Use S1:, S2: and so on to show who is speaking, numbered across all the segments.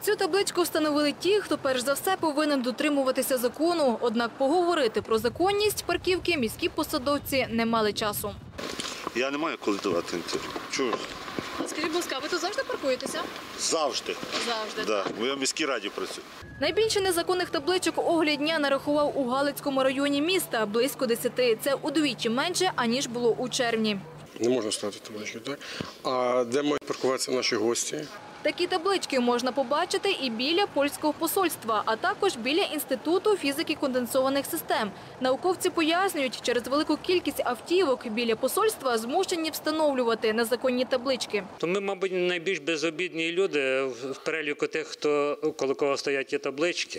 S1: Цю табличку встановили ті, хто перш за все повинен дотримуватися закону. Однак поговорити про законність парківки міські посадовці не мали часу.
S2: Я не маю коли давати інтерв'ю. Чого?
S1: Скажіть, будь ласка, ви тут завжди паркуєтеся?
S2: Завжди.
S1: Завжди.
S2: Да. Бо я в міській раді працюю.
S1: Найбільше незаконних табличок огляд дня нарахував у Галицькому районі міста – близько 10. Це удвічі менше, аніж було у червні.
S3: Не можна ставити таблички, так? А де мають паркуватися наші гості?
S1: Такі таблички можна побачити і біля польського посольства, а також біля Інституту фізики конденсованих систем. Науковці пояснюють, через велику кількість автівок біля посольства змушені встановлювати незаконні таблички.
S4: То ми, мабуть, найбільш безобідні люди в переліку тих, хто коло кого стоять ті таблички.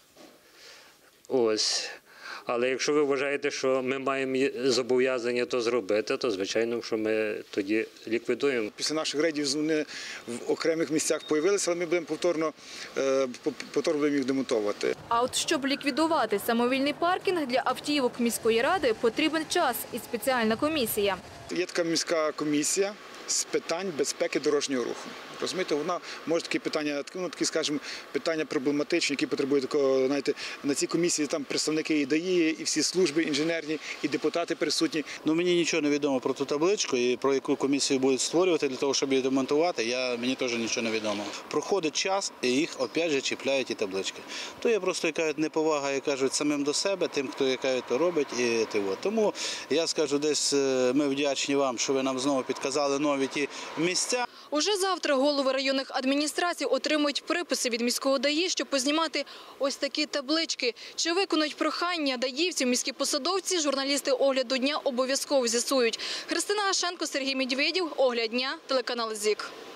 S4: Ось. Але якщо ви вважаєте, що ми маємо зобов'язання то зробити, то, звичайно, що ми тоді ліквідуємо.
S5: Після наших рейдів вони в окремих місцях з'явилися, але ми будемо повторно їх демонтувати.
S1: А от щоб ліквідувати самовільний паркінг для автівок міської ради, потрібен час і спеціальна комісія.
S5: Є така міська комісія з питань безпеки дорожнього руху. Розумієте, вона може такі питання, скажімо, питання проблематичні, які потребують такого, знаєте, на цій комісії там представники і ДАІ, і всі служби інженерні, і депутати присутні.
S6: Мені нічого не відомо про ту табличку і про яку комісію будуть створювати для того, щоб її демонтувати, мені теж нічого не відомо. Проходить час і їх опять же чіпляють ті таблички. То є просто яка неповага, як кажуть, самим до себе, тим, хто яка то робить. Тому я скажу, десь ми вдячні вам, що ви нам знову підказали нові ті місця.
S1: Уже завтра голови районних адміністрацій отримують приписи від міського ДАІ, щоб познімати ось такі таблички. Чи виконують прохання даївців міські посадовці, журналісти огляду дня обов'язково з'ясують. Христина Гашенко, Сергій Медведєв, огляд дня, телеканал ЗІК.